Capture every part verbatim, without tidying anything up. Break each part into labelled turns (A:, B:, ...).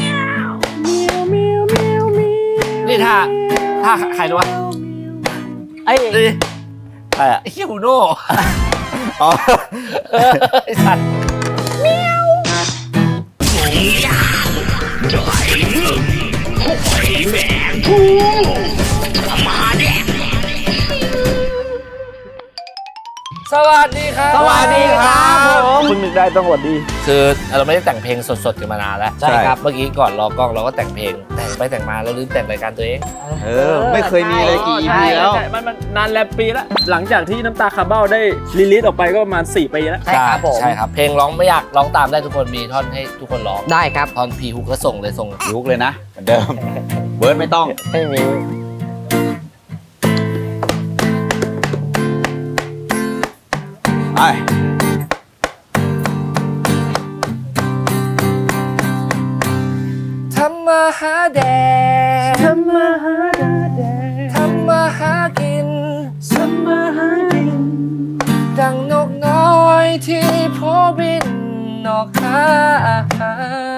A: นี่ท่าท่าใครรู้วะ
B: ไอ้
A: นี่
C: ใช่อะ
A: ไอ้ฮิวโน่
C: อ๋อ
A: ไอ้สัตว์สวัสดีครับ
B: สวัสดีครับผมคุณนึกได้ต้องสวัสดี
A: คือเราไม่ได้แต่งเพลงสดๆกันมานานแล้ว
C: ใช่ครับ
A: เมื่อกี้ก่อนรอกล้องเราก็แต่งเพลงแต่งไปแต่งมาเราลืมแต่งรายการตัวเอง
C: เออ ไม่เคยมีเลยกี่ อี พี แล้ว
B: ใช่มันมันนานแลมปีแล้ว หลังจากที่น้ำตาคาร์เบ้าได้รีลิสออกไปก็ประมาณสี่ปีแล้ว
D: ใช่ครับผม
A: ใช่ครับเพลงร้องไม่ยากร้องตามได้ทุกคนมีท่อนให้ทุกคนร้อง
D: ได้ครับ
A: ท่อนพีฮุกก็ส่งเลยส่ง
C: ยุกเลยนะเหมือนเดิม เวิร์ดไม่ต้อง
D: ไม่มี
C: ไอ้
A: ทำมาหาแดดทำมาหาแดดทำมาหากินทำมาหากินดังนกน้อยที่โพบินนอกหาอาหาร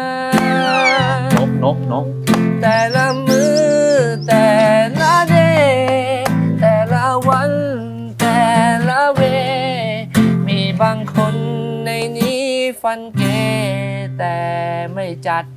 C: นกนกนก
A: แต่ละมือแต่ละเดย์แต่ละวันแต่ละเว มีบางคนในนี้ฟันเกแต่ไม่จัด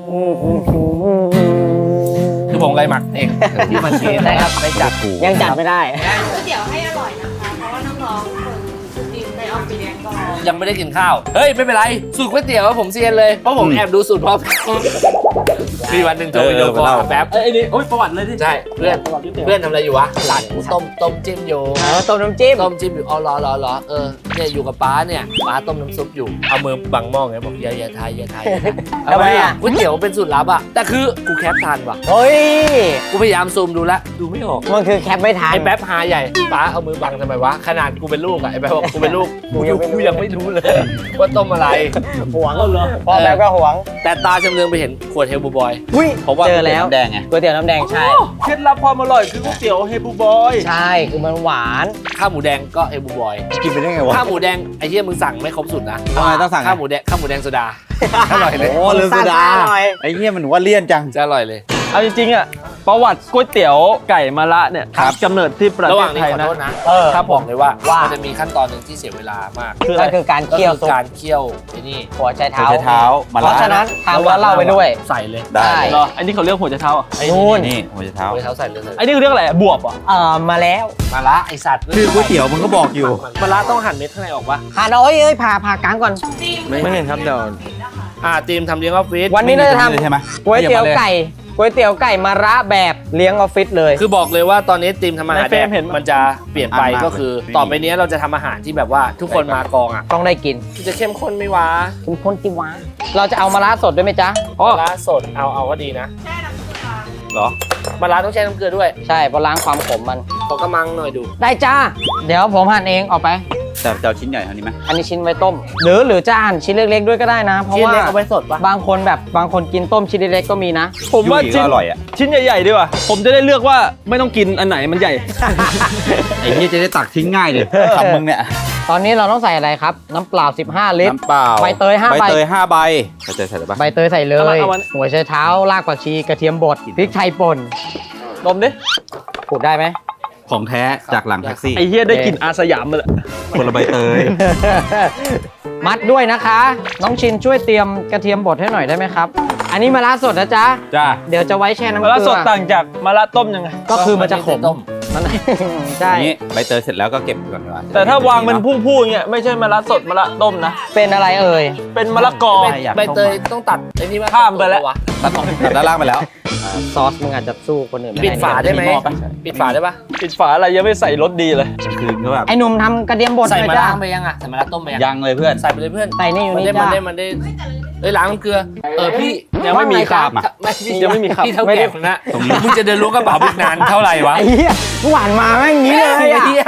A: คือผมไกหมักเองที่มันเกได้ครับไม่จัด
D: ยังจัดไม่ได้
E: ก๋วยเตี๋ยวให้อร่อยนะคะ เพราะว่าน้องๆคนทีมในออฟฟิศก็
A: ยังไม่ได้กินข้าวเฮ้ยไม่เป็นไรสูตรก๋วยเตี๋ยวผมเซียนเลยเพราะผมแอบดูสูตรพร้อมมีวันหนึ่งโทรวิดีโอคอลหาแป๊บ
B: ไอ้นี่โอ้ยประวัติเลยที่
A: ใช่เพื่อนเพื่อนทำอะไรอยู่วะหลานกูต้มต้มจิ้มอยู่
D: เออต้มน้ำจิ้ม
A: ต้มจิ้มอยู่อ๋อรอรอรอเออเนี่ยอยู่กับป้าเนี่ยป้าต้มน้ำซุปอยู่เอามือบังหม้อไงบอกอย่าอย่าทายอย่าทายอย่าทาย
D: ทำไมอ่ะ
A: ก๋วยเตี๋ยวเป็นสูตรลับอ่ะแต่คือกูแคปทันว่ะ
D: เฮ้ย
A: กูพยายามซูมดูแล้วดูไม่ออก
D: มันคือแคปไม่ทัน
A: ไอ้แป๊บหาใหญ่ป้าเอามือบังทำไมวะขนาดกูเป็นลูกอ่ะไอ้แป๊บบอกกูเป็นลูก
D: กูยังไม่รู้
A: กูยังไม่รู้เลยว่าต้มอะไร
D: หวง
B: เอาเหรอ
D: พ่อแป๊บก็หวง
A: แต่ตาจำเรืองไปเห็นขวดเฮลบูบอย
D: อุ้ย
C: เพราะว่า
D: เจอแล้ว
C: น้ำแดงไง
D: ก๋วยเตี๋ยวน้ำแดงใช่
B: เคล็ดลับความอร่อยคือก๋วยเตี๋ยวเฮบูบอย
D: ใช่คือมันหวาน
A: ข้าวหมูแดงก็เฮลบูบอย
C: กินไปได้ไงวะ
A: ข้าวหมูแดงไอ้เหี้ยมึงสั่งไม่ครบสูตรนะ
C: ทำไมต้องสั่ง
A: ข้าวหมูแดงข้าวหมูแดงโซดาอร่อยเลย
C: โอ้ลืมโซดา
D: ซ่ๆหน่อย
C: ไอ้เหี้ยมันว่าเลี่ยนจัง
A: จะอร่อยเลย
B: เอาจริงๆอ่ะประวัติก๋วยเตี๋ยวไก่มะระเนี่ย
C: ครับ
B: กำเนิดที่ประ
A: ระ
B: เท
A: หว่า
B: ศ
A: งนี้
B: ไทย
A: ขอ
B: นะ
A: โทษนะ
D: เออ
A: ถ้าบอกเลยว่า
D: ว่ามั
A: มันจะมีขั้นตอนหนึ่งที่เสียเวลามาก
B: คืออะไร
D: นั่นคือการ
A: ก็
D: เคี่ยว
A: คือ
D: ซุป
A: การเคี่ยวไอ้นี่
D: หัวไชเท้า
C: หัวไชเท้ามา
D: เพ
C: ละ
D: ราะฉะนั้นทำแล้วเล่าไปด้วย
A: ใส่เลย
C: ได้
D: ได้
B: เหรออันนี้เขาเรียกหัวใจเท้าอ่ะ
A: ไอ้
D: นู่น
C: นี่หัวไชเท้า
A: เอาเท้าใส่เลยเลย
B: ไอ้นี่เขาเรียกอะไรบวบอ่ะ
D: เออมาแล้ว
A: มาละไอสัตว์
C: คือก๋วยเตี๋ยวมันก็บอกอยู่
A: มาละต้องหั่นเม็ดข้างในออกปะ
D: หาน้อยเอ้ยผ่าผ่ากลางก่อน
B: ไม่เห็นครับเดี๋ยว
A: อ่าทีมทำเลี้ยงออฟฟิศ
D: วันนี้เราจะท
C: ไม่มีตรงนี้เลยใช่ไหม
D: ำก๋วยเตี๋ยวไก่ก๋วยเตี๋ยวไก่มะระแบบเลี้ยงออฟฟิศเลย
A: คือบอกเลยว่าตอนนี้ทีมทำอาหารแดกมันจะเปลี่ยนไป
C: อ่ะมาก
A: ก็คือ
C: เลย
A: ต่อไปนี้เราจะทำอาหารที่แบบว่าทุกคนมากองอ่ะ
D: ต้องได้กิน
A: จะเข้มข้นไหม่วะ
D: คุณพ้นติวาเราจะเอามะระสดด้วยไหมจ๊ะ
A: มาละสดเอาเอาก็ดีนะ
E: แช่น้ำเกลือ
C: เหรอ
A: มาละต้องแช่น้ำเกลือด้วย
D: ใช่เพราะล้างความขมมัน
A: ขอกระมังหน่อยดู
D: ได้จ้า เดี๋ยวผมหั่นเองออกไป
C: แต่จะเอาชิ้นใหญ่เท่านี้ไหม
D: อันนี้ชิ้นไว้ต้ม หรือหรือจะหั่นชิ้นเล็กๆด้วยก็ได้นะ เพราะ
A: ชิ้น
D: ว่า
A: เล็กเอาไว้สดปะ
D: บางคนแบบบางคนกินต้มชิ้นเล็กๆก็มีนะ
B: ผมว่า
C: ยุ่ยก็
B: ชิ้น
C: อร่อยอ่ะ
B: ชิ้นใหญ่ๆดีกว่าผมจะได้เลือกว่าไม่ต้องกินอันไหนมันใหญ่
C: ไอ้เหี้ยจะได้ตักทิ้งง่ายเลยคำมึงเนี่ย
D: ตอนนี้เราต้องใส่อะไรครับ น้ำเปล่า สิบห้า ลิตร
C: น้ำเปล่า
D: ใบเตยห้า
C: ใบ
D: ใบ
C: เตยห้าใบใบเตยใส่ได้ปะ
D: ใบเตยใส่เล
B: เอามาย เอามา
D: หัวไชเท้ารากผักชีกระเทียมบดพริกไทยป่น
B: ดมดิ
D: พูดได้ไหม
C: ของแท้จากหลังแท็กซี่
B: ไอ้เฮียได้กลิ่นอาสยามมาเลย
C: คนละใบเตย
D: มัดด้วยนะคะ น้องชินช่วยเตรียมกระเทียมบดให้หน่อยได้ไหมครับ อันนี้มะระสดนะจ๊ะ
B: จ้า
D: เดี๋ยวจะไว้แช่น้ำเก
B: มะ
D: ลื
B: ระสดต่างจากมะระต้มยังไง
D: ก็คือมันจะขม
A: ต้ม
D: มัน ใช่
C: นี่ใบเตยเสร็จแล้วก็เก็บก่อนดีกว่า
B: แต่ถ้าวางเป็นผู้ๆอย่างเงี้ยไม่ใช่มะระสดมะระต้มนะ
D: เป็นอะไรเอ่ย
B: เป็นมะละกอ
A: ใบใบเตยต้องตัดไอ้นี่ว่า
B: ข้ามไปแล้ว
A: วะ
C: ตัดออกตัดด้านล่างไปแล้ว
D: ซอสมึงอาจจะสู้คนอื่นไม่
A: ปิดฝาได้ไหม
C: มีหม้อปะ
A: ปิดฝาได้ปะ
B: ปิดฝาอะไรยังไม่ใส่รสดีเลย
C: คือก็แบบ
D: ไอ้หนุ่มทำกระเทียมบด
A: ใส่
D: หน่
A: มา
D: อยจ้า
A: ล้างไปยังอ่ะใส่มาล้างต้มไปยัง
C: ยังเลยเพื่อน
A: ใส่ไปเลยเพื่อน
D: ใส่นี่อยู่
A: มัน
D: นี่
A: ได้มัน
D: จ้า
A: ได้มันได้เอ้ยล้างน้ำเกลือเออพี่
B: ยังไม่มีคราบ
C: อ่ะ
A: ไม่พี่
B: ยังไม่มีครับ
A: พี่เท่า
D: ไม่ได้
A: แก่คนนะมึงจะเดินรู้กระเป๋าบึกนานเท่าไหร่วะ
D: ไอ้เหี้ยหวานมาแม่งงี้เลย
A: ไอ้
D: อ่ะ
A: เหี้ย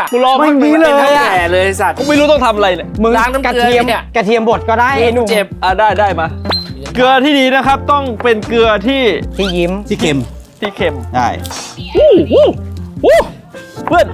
B: กูรอ
D: ไม่มีเลย
A: เป็น
D: อะ
A: แก่เลยสัตว์
B: กูไม่รู้ต้องทำอะไรเนี่ย
D: มึง
A: ล้างน้ำ
D: กระ
A: เกลือ
D: เทียม
A: เนี่ย
D: กระเทียมบดก็ได้ไอ้หนุ่ม
A: เจ็บ
B: อ่ะได้ได้มา เกลือที่ดีนะครับต้องเป็นเกลือที่
D: ที่ยิ้ม
C: ที่เค็ม
B: ที่เค็ม
C: ได้
B: วู้วู้วู้เพื่อน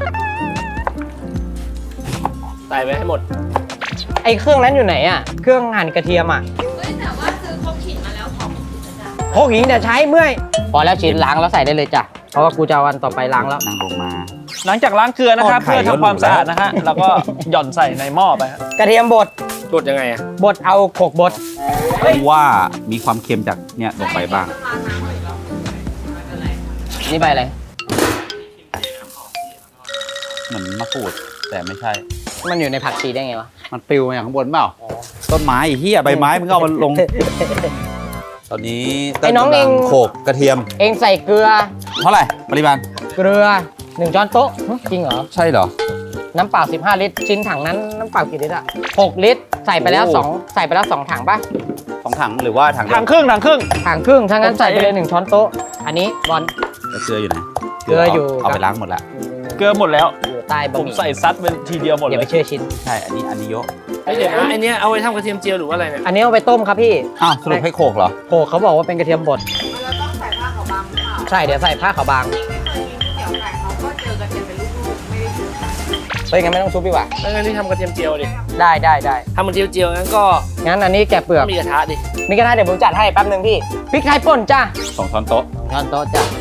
A: ใส่ไปให้หมด
D: ไอ้เครื่องนั้นอยู่ไหนอ่ะเครื่องหั่นกระเทียมอ่ะ
E: เฮ้ยแต่ว่าซื้อครกขิงมาแล้วของอาจารย์
D: โคกหินเดี๋ยวใช้เมื่อยพอแล้วชิ้นล้างแล้วใส่ได้เลยจ้ะเพราะว่ากูจะเอาวันต่อไปล้างแล้ว
C: นั่งลงมา
B: หลังจากล้างเกลือนะครับ
C: ทอดไข่
B: เพื่อทำความสะอาดนะฮะแล้วก็หย่อนใส่ในหม้อไปฮะ
D: กระเทียมบด
A: กดยังไงอะ
D: บดเอาโขกบด
C: ว่ามีความเค็มจากเนี่ยลงไปบ้าง
D: นี่ใบอะไร
C: เหมือนมะกรูดแต่ไม่ใช่
D: มันอยู่ในผักชีได้ไงวะ
C: มันปลิวมาจากข้างบนเปล่า ต้นไม้ไอ้เหี้ยใบไม้มึงเอามันลง ตอนนี้
D: ไอ้น้องเอง
C: โขกกระเทียม
D: เองใส่เกลือ
C: เท่าไหร่ปริมาณ
D: เกลือหนึ่งช้อนโต๊ะหึจริงเหรอ
C: ใช่เหรอ
D: น้ำเปล่าสิบห้าลิตรชิ้นถังนั้นน้ำเปล่ากี่ลิตรอะหกลิตรใส่ไปแล้ว
C: โอ้
D: สองใส่ไปแล้วสองถังป่ะ
C: สองถังหรือว่าถังเดียว
B: ถังครึ่งถังครึ่ง
D: ถังครึ่งถ้างั้น
B: ผมใส่
D: ใส่ไปเลยหนึ่งช้อนโต๊ะอันนี้บอล
C: แล้วเกลืออยู่ไหน
D: เกลืออยู่
C: เอาไปล้างหมดละ
B: เกลือหมดแล้ว
D: อยู่ใต้บะ
B: ผม
D: หมี่
B: ใส่ซัดเป็นทีเดียวหมด
D: อย่า
B: เล
D: ไป
B: ย
D: เชื่อชิ้น
C: ใช่ อันนี้อันนี้เยอะ
A: เฮ้ยเดี๋ยวนะไอเนี้ยเอาไว้ทำกระเทียมเจียวหรือว่าอะไรเนี่ย
D: อันนี้เอาไปต้มครับพี่
C: อ้าวสรุปให้โขกเหรอ
D: โขกเขาบอกว่าเป็นกระเทียมบด
E: เราต้องใส่ผ้าขาวบางหรือเปล่า
D: ใช่เดี๋ยวใส่ผ้าขาวบาง
E: ที่เคยกินก๋วยเตี๋ยวไก่เขาก็เจอกระเทียมเป็นลูกๆไม่ได้ซื้อค่ะ
D: เฮ้ยงั้นไม่ต้องซุปดีกว่า
A: แล้วงั้นที่ทำกระเทียมเจียวดิ
D: ได้ได้ได้
A: ทำกระเทียมเจียวงั้นก็
D: งั้นอันนี้แกะเปลือก
A: มีกระทะดิ
D: มีกระทะเดี๋ยวผมจัดให้แป๊บหนึ่งพี่พริกไทยป่นจ้า
C: สองช้อนโต๊ะ
D: ช้อนโต๊ะจ้ะ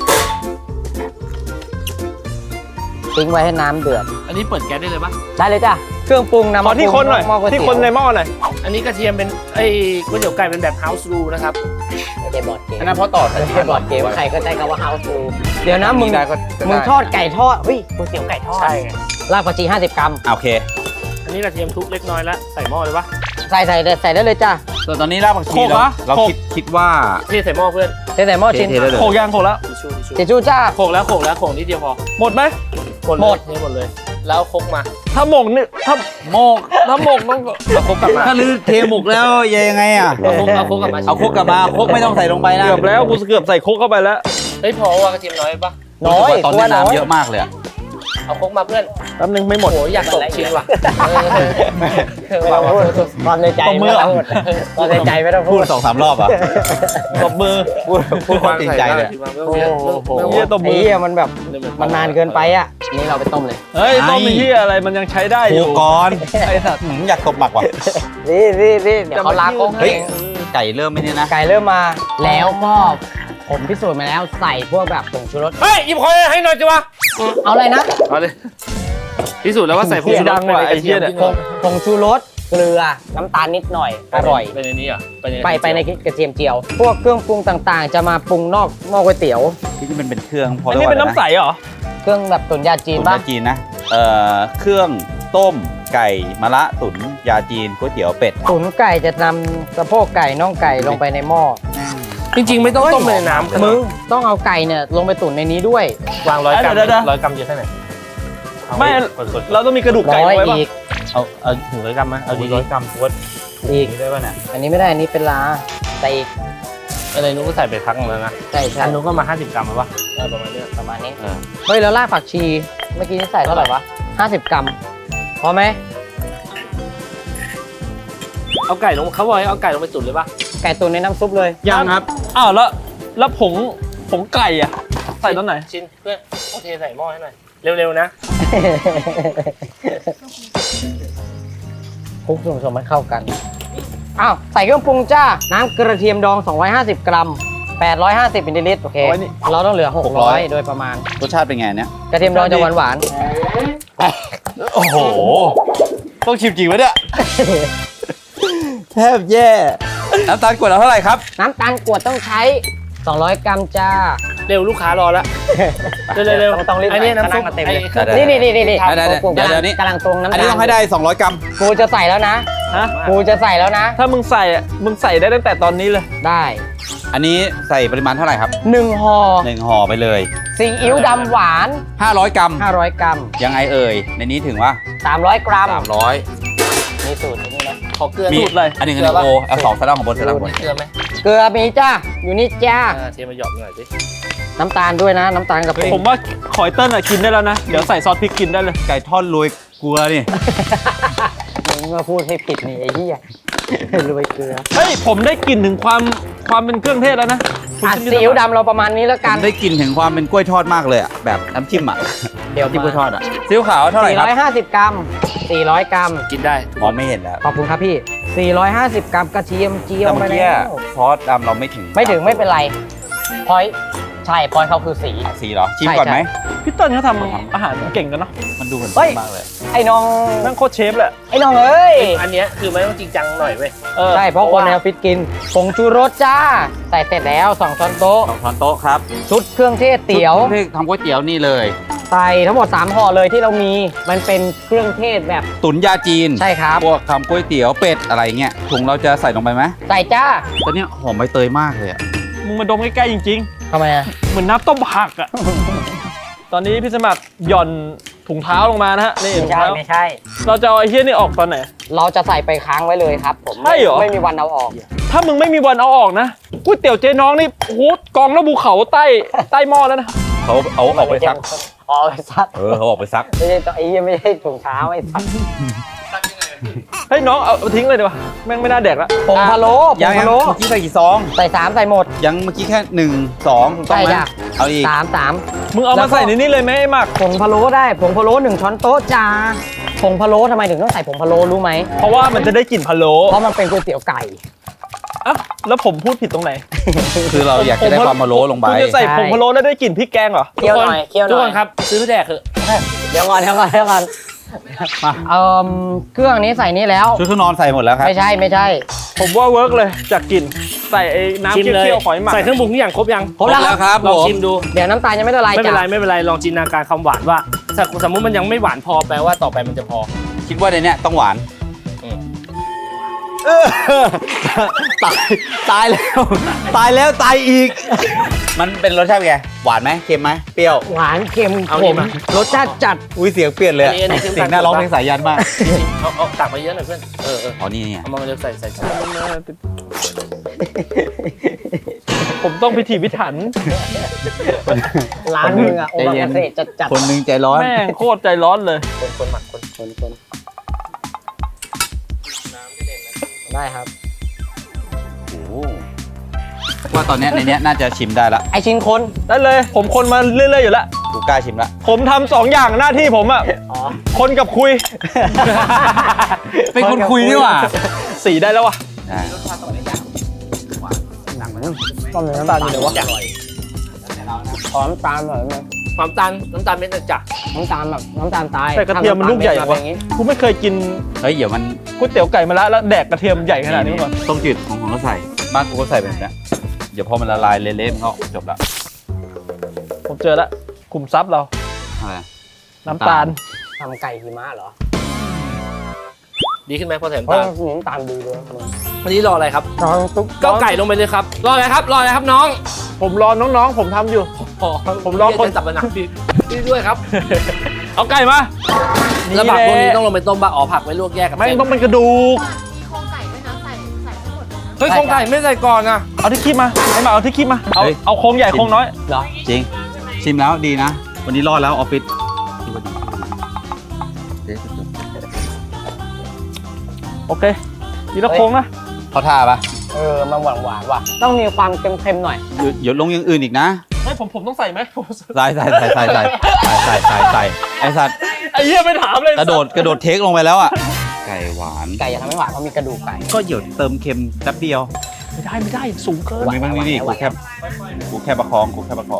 D: ทิ้งไว้ให้น้ำเดือด
A: อันนี้เปิดแก๊สได้เลยปะ
D: ได้เลยจ้ะเครื่องปรุงนำ
B: ขอ
D: มา
B: ที่คนหน่อย
D: หม้อก๋วย
B: ที่
D: เตี๋ยว
B: คนในหม้อหน่อย
A: อันนี้กระเทียมเป็นไอ้ก๋วยเตี๋ยวไก่เป็นแบบ house rule นะครับ
D: ไม่ใช่บอร์ดเกม
C: อันนั้นเพราะต่อ
D: ไม่ใช่บอร์ดเกมใครก็ใช้คำว่า house rule เดี๋ยวนะมึง
C: ได้ก็ก็ได้
D: มึงทอดไก่ทอดเฮ้ยก๋วยเตี๋ยวไก่ทอด
A: ใช่ไง
D: รากผักชีห้าสิบกรัม
C: อ่ะโอเค
A: อันนี้กระเทียมทุบเล็กน้อยแล้วใส่หม้อเลยปะ
D: ใส่ใส่ใส่ได้เลยจ้ะ
C: ส่วนตอนนี้รากผักชี
B: โขก
C: เรา
B: เหรอ
C: เรา
B: โขก
C: คิดคิดว่า
A: เทใส่หม้อเพื่อน
D: ใส่ใส่หม้อชิ้น
C: เทๆได้เลย
B: โขกยางโขกแล้ว
A: ทิชชู่ทิชชู่
D: ทิชชู่จ้า
A: โขกแล้วโขกแล้วโขกนิดเดียวพอ
B: หมดไหม
A: หมด
D: หมด
A: เลยเทหมดเลย แล้วคกมา
B: ถ้าหมกนี่ถ้า
C: โมก
B: ถ้าหมกต้อง
A: เอาคกกลับมา
C: ถ้าลือเทหมกแล้วยังไงอ่ะ
A: เอาคกเอาคกกลับมา
C: เอาโคกกลับมาโคกไม่ต้องใส่ลงไปนะ
B: เกือบแล้วกูเกือบใส่โคกเข้าไปแล้ว
A: เฮ้ยพอว่ากระเทียมน้อยปะ
D: น้อย
C: ตอน
D: กลั
C: นี้
D: วน้อย
C: น้ำเยอะมากเลยอะ
A: เอาคกมาเพื่อน
B: แป๊บนึงไม่หมด
A: โอ้ยอยากตกชิ้นว่ะเออเออ
D: ไม่
A: ว่ะ
D: ต้องพูดความในใจ
B: ตบมื
D: ไม่
B: อ
D: ต้องพูดความในใจไม่ต้อง
C: พู
D: พู
C: ด
D: ด
C: สองสามรอบอ่ะ
B: ตบมือ
C: พูดพูดความจริงใจเลย
A: ไม่ต้องเยอะไม่ต้อง
B: เหี้ยตบมือ
D: ไอ้เหี้ยมันแบบมันนานเกินไปอ่ะนี่เราไปต้มเลย
B: เฮ้ยต้มมีที่อะไรมันยังใช้ได้อ
C: โค
B: ยู่
C: ก่อนไอ้สัตว์หืมอยากตบหมักว่ะ
D: นี่นี่นี่เดี๋ยวเขาล้างโค้ง
C: เฮ้
D: ให้
C: ย ไก่เริ่มไม่เนี่ยนะ
D: ไก่เริ่มมาแล้วก็ผมพิสูจน์มาแล้วใส่พวกแบบผงชูรส
A: เฮ้ยหยิบคอยให้หน่อยจิวะ
D: เอาอะไรนะ
A: เอาเลยพิสูจน์แล้วว่าใส่ผงชูรสไปในกระเทียมที่
D: ผงผงชูรสเกลือน้ำตาลนิดหน่อยอร่อย
A: ไปในนี้อ่ะ
D: ไปไปในกระเทียมเจียว พวกเครื่องปรุงต่างๆ จะมาปรุงนอกหม้อก๋วยเตี๋ยว
C: ที่นี่มันเป็นเครื่องพอ
B: อัน
C: ได้
B: นี้
C: ว่า
B: เป็นน้ำใสเหรอ
D: เครื่องแบบตุ๋นยาจีน
C: ตุ๋น
D: ป่ะ
C: ยาจีนนะ เอ่อ เครื่องต้มไก่มะระตุ๋นยาจีนก๋วยเตี๋ยวเป็ด
D: ตุ๋นไก่จะนำสะโพกไก่น่องไก่ลงไปในหม้อ
A: จริงๆไม่ต้องต้มในน้ำ
D: มึงต้องเอาไก่เนี่ยลงไปตุ๋นในนี้ด้วย
A: วางร้อยกรัม
B: เดี๋ยวๆๆ
A: ร้อยกรัมเยอะแค่ไหน
B: ไม่
A: กดๆ
B: เราต้องมีกระดูกไก่
D: ร้อย
B: ไว้ป่ะ
D: อีก
A: เอาเอาถึงร้อยกรัมไหมเอาดี
C: ร้อยกรัมวัด
D: อีก
C: ได้ป่ะเนี่ย
D: อันนี้ไม่ได้อันนี้เป็นลาใส่อีก
A: ๆอะไรนู้นก็ใส่ไปพักหนึงแล้วนะ
D: ใช่ใช่
A: อันนู้นก็มาห้าสิบกรัมแล้วปะได้ประมาณเนี้ย
D: ประมาณนี้
C: เออ
D: เฮ้ยแล้วรากผักชีเมื่อกี้นี่ใส่เท่าไหร่วะห้าสิบกรัมพอไหม
A: เอาไก่ลงเขาบอกให้เอาไก่ลงไปตุ๋นเลยปะ
D: ไก่ตุ๋นในน้ำซุปเลย
B: ยังครับ อ้าวแล้วแล้วผงผงไก่อะใส่ตอนไหน
A: ชิ้นเพื่อนเอาเทใส่หม้อให้หน่อยเร็วๆนะ
D: คลุกส่วนผสมให้เข้ากัน อ้าว ใส่เครื่องปรุงจ้า น้ำกระเทียมดอง สองร้อยห้าสิบ กรัม แปดร้อยห้าสิบมิลลิลิตร โอเค
B: เอาไว้นี่
D: เราต้องเหลือ หกร้อย โดยประมาณ
C: รสชาติเป็นไงเนี่ย
D: กระเทียมดองจะหวานหวาน
C: โอ้โห ต้องชิมจริงวะเนี่ย แทบแย่ น้ำตาลกวดเราเท่าไหร่ครับ
D: ๆน้ำตาลกรวดต้องใช้ สองร้อย กรัมจ้า
A: เร็วลูกค้ารอแล้วเร็วๆเร็ว
D: ต้องต้องรีบ
A: อันนี้น้ำซุป
D: กำลังมาเต็มเลย
A: ไอ้
C: ได้
D: นี่นี่นี่นี่นี่
C: ได้ได้
D: กู
C: เดี๋ยว
D: กำลัง
C: เดี๋ยวนี้
D: กำลังตรงน้ำ
C: อัน
D: ตา
C: นี้
D: ล
C: ต้องให้ได้ สองร้อย กรัม
D: กูจะใส่แล้วนะ
B: ฮะ
D: กูจะใส่แล้วนะ
B: ถ้ามึงใส่อะมึงใส่ได้ตั้งแต่ตอนนี้เลย
D: ได้
C: อันนี้ใส่ปริมาณเท่าไหร่ครับ
D: หนึ่งห่อ
C: หนึ่งห่อไปเลย
D: ซีอิ๊วดำหวาน
C: ห้าร้อย กรัม
D: ห้าร้อย กรัม
C: ยังไงเอ่ย ในนี้ถึงว่า
D: สามร้อย กรัม
C: สามร้อย
D: นี่สูตรนี้นะ
A: ขอเกลือ
C: มี
B: สูตรเลย
C: อันหนึ่งอันหนึ่งโอเอาสองสลับของบนสลับบน
A: เกลือไหม
D: เกลือมีจ้า อยู่นี่จ้า
A: อ่าเทมาหยอกหน่อยสิ
D: น้ำตาลด้วยนะ น้ำตาลกับผ
B: ผมว่าขอยเติ้ลอะกินได้แล้วนะ เดี๋ยวใส่ซอสพริกกินได้เลย
C: ไก่ทอดโรยเกลือนี่
D: มึงมาพูดให้ผิดนี่ไอ้เหี้ยรวยเกลือ
B: เฮ้ย ผมได้กลิ่นถึงความความเป็นเครื่องเทศแล้วนะคุณ
D: อ่ะ
B: ชิม
D: ซีอิ๊วดำเราประมาณนี้แล้ว
C: ผ
D: กัน
C: มได้กลิ่นถึงความเป็นกล้วยทอดมากเลยอ่ะแบบน้ำจิ้มอ่ะ
D: เดี๋ยว
C: จิ้มกล้วยท
D: มา
C: อดอ่ะซีอิ๊วขาวเท่าไหร่ครับ
D: สี่ร้อยห้าสิบกรัมสี่ร้อยกรัม
A: กินได้
C: มองไม่เห็นแล้ว
D: ขอบคุณครับพี่สี่ร้อยห้าสิบกรัมกระเทียมเจียว
C: แต่เมื่
D: ไป
C: อกี้
D: แล้ว
C: ซอสดำเราไม่ถึง
D: ไม่ถึงไม่เป็นไรพอยใช่พอยเขาคือสี
C: สีเหรอชิมก่อนไหม
B: พี่เติ้ลเขาทำอาหารเก่งกันเนาะ
C: มันดูเหมือน
D: เฮ้ย
C: มากเลย
D: ไอ้น้อง
B: แม่งโคตรเชฟเลย
D: ไอ้น้องเอ้ย
A: อันเนี้ยคือไม่ต้องจริงจังหน่อยเว้ย
B: เออ
D: ใช่เพราะคนในออฟฟิศกินผงชูรสจ้าใส่เสร็จแล้วสองช้อนโต๊ะ
C: สองช้อนโต๊ะครับ
D: ชุดเครื่องเทศเตี๋ยว
C: ชุดที่ทำก๋วยเตี๋ยวนี่เลย
D: ใส่ทั้งหมดสามห่อเลยที่เรามีมันเป็นเครื่องเทศแบบ
C: ตุ๋นยาจีน
D: ใช่ครับ
C: พวกทำก๋วยเตี๋ยวเป็ดอะไรเงี้ยถุงเราจะใส่ลงไปไหม
D: ใส่จ้า
C: ตอนนี้หอมใบเตยมากเลยอ่ะ
B: มึงมาดมใกล้ๆจริง
D: ทำไมอะ
B: ๆ เหมือนน้ำต้มผักอะ ตอนนี้พี่สมัครหย่อนถุงเท้าลงมานะฮะ นี่
D: ไม่
B: ถุง
D: ใช่
B: เท้า
D: ไม่ใช่
B: เราจะเอาไอ้เฮี้ยนี่ออกตอนไหน
D: เราจะใส่ไปค้างไว้เลยครับผม
B: ใช่เหรอ
D: ไม่มีวันเอาออก
B: ถ้ามึงไม่มีวันเอาออกนะก๋วยเตี๋ยวเจ๊น้องนี่โอ้โหกองแล้วภูเขาใต้ใต้หม้อแล้วนะ
C: เขาเอาออกไปซัก
D: อ๋อเอาไปซัก
C: เออเขาออกไปซัก
D: ไม่ใช่ตัวไอ้เหี้ยไม่ใช่ถุงเท้าไอ้สัตว์
B: เฮ้ยน้องเอาเอาทิ้งเลยดีกว่าแม่งไม่น่าแดกละ
D: ผงพะโล้ผ
C: ยัง ง
D: พะโล้
C: เมื่อกี้ใส่กี่ซอง
D: ใส่สามใส่หมด
C: ยังเมื่อกี้แค่หนึ่งสองถูกต้องไหม
D: ใช่จ้ะ
C: เอาอีก
D: สามสาม
B: มึงเอา
D: แล้
B: มาว
D: ก็
B: ใส่ในนี้เลยไหมไอ้หมัก
D: ผงพะโล้ได้ผงพะโล้หนึ่งช้อนโต๊ะจ้าผงพะโล้ทำไมถึงต้องใส่ผงพะโล้รู้ไหม
B: เพราะว่ามันจะได้กลิ่นพะโล้
D: เพราะมันเป็นก๋วยเตี๋ยวไก่
B: อ่ะแล้วผมพูดผิดตรงไหน
C: คือเราอยากจะได้ความมะโล้ลงไป
B: คุณจะใส่ผงพะโล้แล้วได้กลิ่นพริกแกงเหรอ
D: เคี่ยวหน่อยเคี่ยวห
A: ทุก
D: น่
A: ค
D: อย
A: นครับซื้อไปแดกเถอะ
D: เดี๋ยวก่อนเดี๋ยวก่อนเดี๋ยวก่อน
C: มา
D: เอ่อเครื่องนี้ใส่นี่แล้ว
C: ชุดเครื่องนอนใส่หมดแล้วครับ
D: ไม่ใช่ไม่ใช่
B: ผมว่าเวิร์กเลยจากกลิ่นใส่ไอ้น้ำ
A: ชิม
B: เคี
A: เลย
B: ่ยวๆหอยหมัก
A: ใส่เครื่องปรุงทุกอย่างครบยัง
D: ครบแล้วครับ
A: ลอง
C: ผม
A: ชิมดู
D: เดี๋ยวน้ำตาลยังไม่ละลาย
A: ไม่เป็น
D: จ้ะ
A: ไรไม่เป็นไรลองจินตนาการคำหวานว่าถ้าสมมติมันยังไม่หวานพอแปลว่าต่อไปมันจะพอ
C: คิดว่าในเนี้ยต้องหวาน
A: อืม
C: เออตายตายแล้ว ตายแล้วตายอีก มันเป็นรสชาติเป็นไงหวานไหมเค็มไหมเปรี้ยว
D: หวานเค็ม
A: เอา
D: ข
A: นี่
D: ม
A: มา
D: รสชาติจัด
C: อุ้ยเสียงเปลี่ยนเลยอะ
A: อันนี้อันนี้คือ
C: เสียงน่าร้องเพลงสายยันมาก
A: เอาเอาตักมาเยอะหน่อยเพื่อนเออเออ
C: อ๋อนี่เนี่ย
A: เอามาเร็วใส่ใส่ใส่
B: ผมต้องพิถีพิถัน
D: ร้านมึงอะโอมากาเสะจัดจัด
C: คนหนึงใจร้อน
B: แม่งโคตรใจร้อนเลย
A: คนคนหมักคน
D: คนคนได้ครับ
C: โอ้โหว่าตอนเนี้ยในเนี้ยน่าจะชิมได้ละ
D: ไอชิ้นคน
B: ได้เลย ผมคนมาเรื่อยๆอยู่แล้ว
C: กูกล้าชิมละ
B: ผมทำสองอย่างหน้าที่ผมอะ
D: อ๋อ
B: คนกับคุย
C: เป็นคนคุยนี่หว่า
B: สีได้แล้ววะ
C: อ่า
D: ต้มน้ำตาลอยู่เลยวะขอน้ำตาลหน่อยไหม
A: ความตาลน้ำตาลเม็ดจ้ะ
D: น้ำตาลแบบน้ำตาลตาย
B: แต่กระเทียมมันลูกใหญ่
D: ทำ
B: วะ
D: น้ำตาลเม็ดมาเป็นอย่างงี้
B: กูไม่เคยกิน
C: เฮ้ยเดี๋ยวมัน
B: ก๋วยเตี๋ยวไก่มาแล้วแล้วแดกกระเทียมใหญ่ขนาดนี้มาก่อน
C: ต้มจืดของของเราใส่บ้านกูก็ใส่แบบเนี้ยเดี๋ยวพอมันละลายเละๆมันก็จบละ
B: ผมเจอแล้วคุมทรัพย์เรา
C: อะไร
B: น้ำตาล
D: ทำไก่หิมะเหรอ
A: ดีขึ้นไหมพอใส่
D: เพราะ
A: น้ำตาล
D: น้ำตาลดีด้วยมึง
A: วันนี้รออะไรครับ
D: น้องตุ๊ก
A: ก็ไก่ลงไปเลยครับรออะไรครับรออะไรครับน้อง
B: ผมรอน้องๆ ผมทำอยู่ ผมรอคน
A: จับมันหนักพี่พี่ด้วยครับ
B: เอาไก่มา
A: แล้วผักพวกนี้ต้อง
B: แห
A: ลงไปต้มบะอ๋อผักไว้ลวกแยกกับ
B: ไม่
A: เส้น
B: ต้องเป็นกระดูก
E: มีโครงไก่ด้วยนะใส่ใส่ทั้งหมด
A: เฮ้ยโครงไก่ไม่ใส่ก่อนนะ
B: เอาที่คีบมาไอ้หมาเอาที่คีบมา เอาเอาโครงใหญ่โครงน้อย
D: เหรอ
C: จริง ชิมแล้วดีนะ วันนี้รอดแล้วออฟฟิศ
B: โอเคทีละโครงนะ
C: เขาท่าปะ
D: เออมันหวานหวานๆว่ะต้องมีความเค็มๆหน่อย
C: เดี๋ยวเดี๋ยวลงอย่างอื่นอีกนะ
B: ไม่ผมผมต้องใส่ไหม
C: ใส่ใส่ใส่ใส่ใส่ใส่ใส่ใส่ไอสัตว์
B: ไอ้เหี้ยไม่ถามเลย
C: กระโดดกระโดดเทคลงไปแล้วอ่ะ ไก่หวาน
D: ไก่อย่าทำให้หวานเพราะมีกระดูกไก่
C: ก็เดี๋ยวเติมเค็มแป๊บเดียว
B: ไม่ได้ไม่ได้สูงเกิน
C: มีมันนี่กูแค่กูแค่ประคองกูแค่ประคอง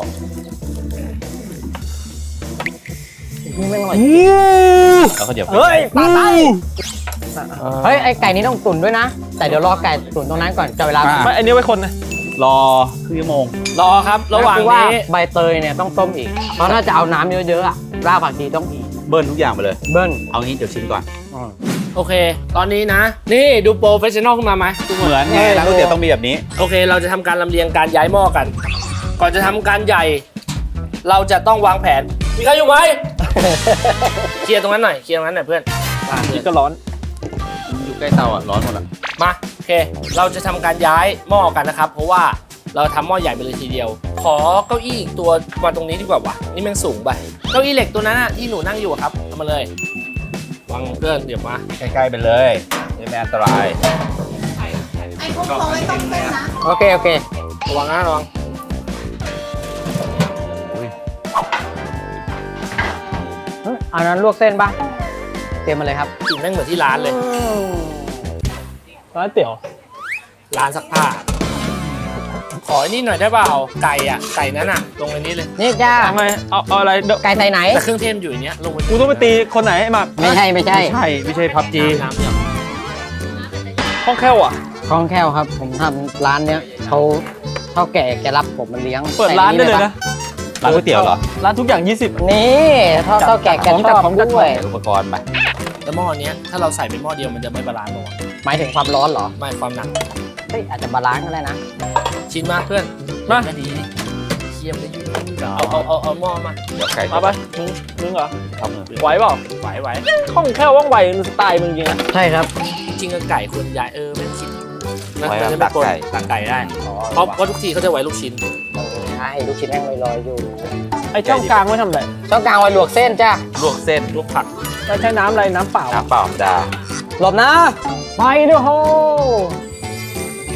D: นี่ไม่อร่อย
C: แล้วก็เดี๋ยว
B: เฮ้ยปลาไต
D: เฮ้ยไอไก่นี้ต้องตุ๋นด้วยนะ แต่เดี๋ยวรอไก่ตุ๋นตรงนั้นก่อนจะเวลา
B: ไม่อันนี้ไว้คนนะ
C: รอครึ่งชั่วโมง
A: รอครับระหว่าง
D: คือว่า
A: นี้
D: ใบเตยเนี่ยต้องต้มอีก เพราะถ้าจะเอาน้ำเยอะๆอะรากผักชีต้องอีก
C: เบิ้ลทุกอย่างไปเลย
D: เบิ้ล
C: เอางี้เดี๋ยวชิมก่อน
A: โอเค ตอนนี้นะ นี่ดูโปรเฟชชั่นอลขึ้นมาไหมทุกค
C: เหมือนไงร้านก๋วยเตี๋ยวต้องมีแบบนี้
A: โอเค เราจะทำการลำเลียงการย้ายหม้อกัน ก่อนจะทำการใหญ่ เราจะต้องวางแผน มีใครอยู่ไหม เคลียร์ตรงนั้นหน่อย เคลียร์ตรงนั้นหน่อยเพื่อนอ่ะ
B: นี่ก็ร้อน
C: อยู่ใกล้เตาอ่ะร้อนหมดอ่ะ
A: มา โอเค เราจะทำการย้ายหม้อกันนะครับ เพราะว่าเราทำหม้อใหญ่ไปเลยทีเดียว ขอเก้าอี้อีกตัววางตรงนี้ดีกว่าวะนี่แมันสูงไปเก้าอี้เหล็กตัวนั้นอะที่หนูนั่งอยู่อะครับเอามาเลยวางเพื่อนเดี๋ยวมา
C: ใกล้ๆไปเลยไม่อันตราย
E: ไอ้พวกเขาไม่ต้องเต้นนะ
D: โอเคโอเค
A: ระวังนะระวัง
D: เอ้ยเอานั้นลวกเส้นปะเตรียมมาเลยครับ
A: กลิ่นแม่งเหมือนที่ร้านเลย
B: ร้านเตี๋ยว
A: ร้านซักผ้าขอไอ้นี่หน่อยได้เปล่าไก่อะไก่นั้นอะลงในนี้เลย
D: นี่จ้า
B: ทำไมเอาเอาอะไรเดี๋ยว
D: ไก่ใส่ไหน
A: แต่เครื่องเทศอยู่ในเนี้ยลงไป
B: กูต้องไปตีคนไหนให้มา
D: ไม่ใช่ไม่ใช่
C: ใช่ไม่ใช่พับจี
A: น้ำเนี่ย
B: ห้องแค่วอ่ะ
D: คล่องแคล่วครับ ผมทำร้านเนี้ยเขาเท่าแก่แกรับผมมันเลี้ยง
B: เปิดร้านได้เลยนะ
C: ร้านก๋วยเตี๋ยวเหรอ
B: ร้านทุกอย่างยี่สิบ
D: นี่เท่าเท่าแก่แกชอบด้วย
C: อุปกรณ์ไป
A: แล้วหม้อเนี้ยถ้าเราใส่เป็นหม้อเดียวมันจะไม่บาลานซ์หรอ
D: หมายถึงความร้อนเหรอ
A: ไม่ความหนัก
D: เฮ้ยอาจจะบาลานซ์ก็ได้นะ
A: ชิ้นมากเพื่อน
B: มา
A: ไม่ดีเคี่ยมได้ยุ่งเอาเอาเอาเอาหม้อมา
C: เดี๋ยวไก่
B: มาไปมึงมึงเหรอ
C: ทำเลย
B: ไหวเปล่า
A: ไหวไหว
B: ห้องแค่ว่องไวมันสไตล์มึงจริงนะ
D: ใช่ครับ
A: จริงๆก็ไก่ควรย้ายเออไม่คิดนะ
C: ไว้
A: มันจะ
C: ตั
A: ไม่
C: ก
A: ปน
C: ไก่
A: ตักไก่ได้เพราะเพราะทุกทีเขาจะไว้ลูกชิ้น
D: ใช่ลูกชิ้นแห้งลอยๆอยู่
B: ไอ้ช่องกลางไว้ทำอะไร
D: ช่องกลางไว้ลวกเส้นจ้า
C: ลวกเส้น
A: ลวกผัก
B: แล้วใช้น้ำอะไรน้ำเปล่า
C: น้ำเปล่าธรรมดา
D: หลบนะไปเด้อโฮ
C: โอเค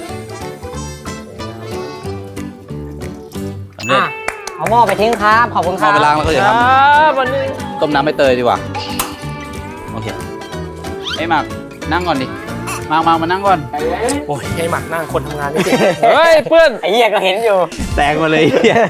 C: สำเร็จ
D: อ่ะเอาหม้อไปทิ้งครับ ขอบคุณค
C: เอา
D: รับ
C: ไปล้างแล้วก็
B: ค
C: เดี๋ยว
B: รั
C: ท
B: บวันนี้
C: ำต้มน้ำใบเตยดีกว่าโอเคไอ้หมากนั่งก่อนดิมามามานั่งก่อน
A: โอ้ยให้หมักหน้าคนทำงานไม่เก่ง
B: เฮ้ยเพื่อน
D: ไอ้เหี้ยก็เห็นอยู่
C: แตกมาเลย
E: เลือ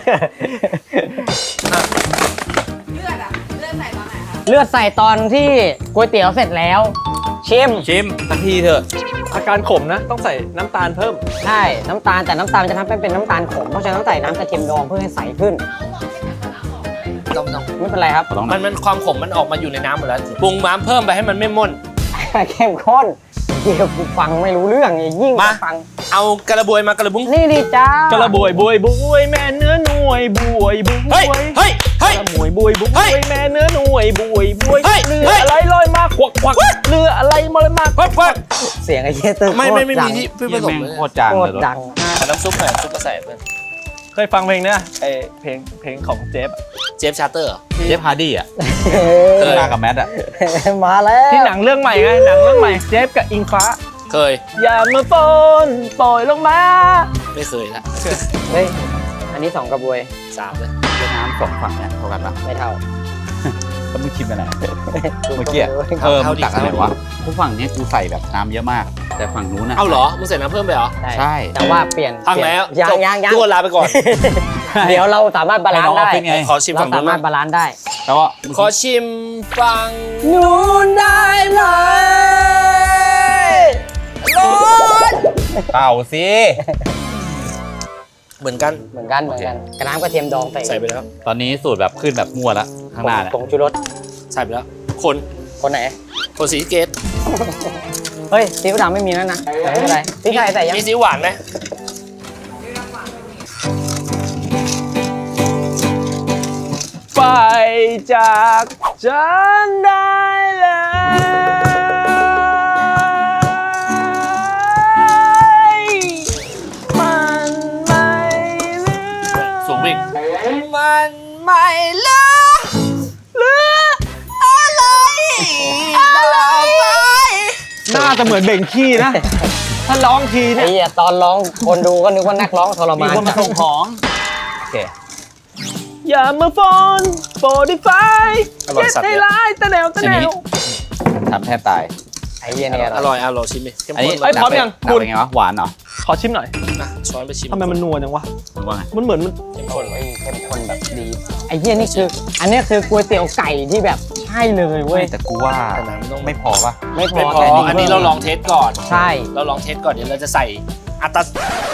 E: ดอะเลือดใส่ตอนไหนคะ
D: เลือดใส่ตอนที่ก๋วยเตี๋ยวเสร็จแล้ว ชิม
C: ชิมทันทีเถอะ
B: อาการขมนะ ต้องใส่น้ำตาลเพิ่ม
D: ใช่น้ำตาลแต่น้ำตาลจะทำให้เป็นน้ำตาลขมเพราะฉะนั้นต้องใส่น้ำกระเทียมดองเพื่อให้ใสขึ้น
A: ต้องต้อง
D: ไม่เป็นไรครับ
C: ต้อง
A: มันมันความขมมันออกมาอยู่ในน้ำหมดแล้วปรุงน้ำเพิ่มไปให้มันไม่ม่น
D: เข้มข้นเดี๋ยวกูฟังไม่รู้เรื่องไอ้ยิ่ง
A: มา
D: ฟัง
A: เอากระบวยมากระบุ้ง
D: นี่ดิจ้าก
B: ระบวยบวยบวยแม่เนื้อหน่วยบวยบวย
A: เฮ้ยเฮ้ยเฮ้ย
B: กระบวยบวยบ
A: เฮ้
B: วย
A: ย
B: แม่เนื้อหน่วยบวยบวย
A: เฮ้ย
B: เรือ
A: เฮ้ย
B: อะไรลอยมาควักควักเรืออะไรมาลอยมา
A: เพิ่มเพิ่ม
D: เสียงไอ้เหี้ยเตอร์
A: ไม่ไม่ไม่
D: โคตร
A: มี
D: ดัง
A: ที่เพิ่มผ
C: เยี่ย
A: สม
C: แม่ง
A: เลย
C: โคตรจาง
D: โค
C: เล
D: ต
C: ย
D: รดัง
A: เอาน้ำซุปหน่อยซุปก็ใส่เพิ่ม
B: เคยฟังเพลงเนี้ยไอเพลงเพลงของเจฟอะ
A: เจฟชาร์เตอร์เหรอ
C: เจฟฮาร์ดี้อ่ะ
A: เคย
C: มากับแมทอ่ะ
D: มาแล้ว
B: ที่หนังเรื่องใหม่ไงหนังเรื่องใหม่เจฟกับอิงฟ้า
A: เคย
B: อย่ามาโฟนปล่อยลงมา
A: ไม่เคยละ
D: เฮ้ยอันนี้สองกระบวย
A: สามเลย
C: น้ำสองฝั่งเนี่ยเท่ากันปะ
D: ไม่เท่า
C: แล้วมึงชิมกันไหนเมื่อกี้เออมึงตักอะไรวะทุกฝั่งเนี้ยกูใส่แบบน้ำเยอะมาก แต่ฝั่งนู้นอ่ะ
A: เอาเหรอมึงใส่น้ำเพิ่มไปเหรอ
C: ใช่
D: แต่ว่าเปลี่ยน
A: พังแล้ว
D: เปยนยังยังยัง
A: ทุกคนลาไปก่อน
D: เดี๋ยวเราสามารถบาลานซ์ได้
C: เป็นไง
A: ขอชิม
D: เรา
A: ฝั่ง
D: สา
A: นู้น
D: มารถบาลานซ์ได้
C: แล้วว่า
A: ขอชิมฟัง
D: นู้นได้ไหม
A: ร้อน
C: เป่าสิ
A: เหมือนกัน
D: เหมือนกันเหมือนกันกระน้ำกระเทียมดองใส่
A: ใส่ไปแล้ว
C: ตอนนี้สูตรแบบขึ้นแบบมั่วละข้างหน้าเนี่ย
D: ผงชูรส
A: ใส่ไปแล้ว คน
D: คนไหน
A: คนสีเกต
D: เฮ้ยซีอิ๊วดำไม่มีแล้วนะแต่ไม่เป็นไรพริกไทยใส่ยัง
A: มีซีอิ๊วหวานไหม
B: ไปจากฉันได้เลยมันไม่เหลือ
A: สูงวิ่ง
E: มันไม่เหลือเหลืออะไรต่อไป
B: น่าจะเหมือนเบ่งขี้นะ ถ้าร้องที
D: ไอ้
B: เนี่ย
D: เหี้ยตอนร้องคนดูก็นึกว่านักร้องทร
C: มี
D: มาน
C: คนมาส่งของโอเค
B: อย่ามาฟอนโปรดิฟาย
A: อร่อย
B: เจ็ด
A: สัตว์
B: ได้
A: เลย
B: ร้ายตะแนวตะ
C: อัน
B: แน
C: นี้
B: ว
C: ทำแทบตาย
D: ไอ้เหี้ยเนี่ย
A: อร่อยอร่อยชิมดิเข้ม
C: อันนี้
A: ข้น
B: เอ้ย
A: เลย
B: พร้อมยัง
C: หนัก
B: คุณ
C: เป็นไงวะหวานเหรอ
B: ขอชิมหน่อย
A: นะช้อนไปชิม
B: ทำไมมันนัวจังวะ
C: มึงว่าไง
B: มันเหมือนมัน
A: เข้มข้นเล
D: ไอ้
A: ย
D: เข้มข้นแบบดีไอ้เหี้ยนี่คือ อันเนี้ยคือก๋วยเตี๋ยวไก่ที่แบบใช่เลยเว้ย
C: แต่กูว่า
A: แต่น้ำต้อง
C: ไม่พอปะ
D: ไม่พอ
A: ไม่พอ
D: แต่
A: อันนี้เราลองเทสก่อน
D: ใช่
A: เราลองเทสก่อนเดี๋ยวเราจะใส่อัตรา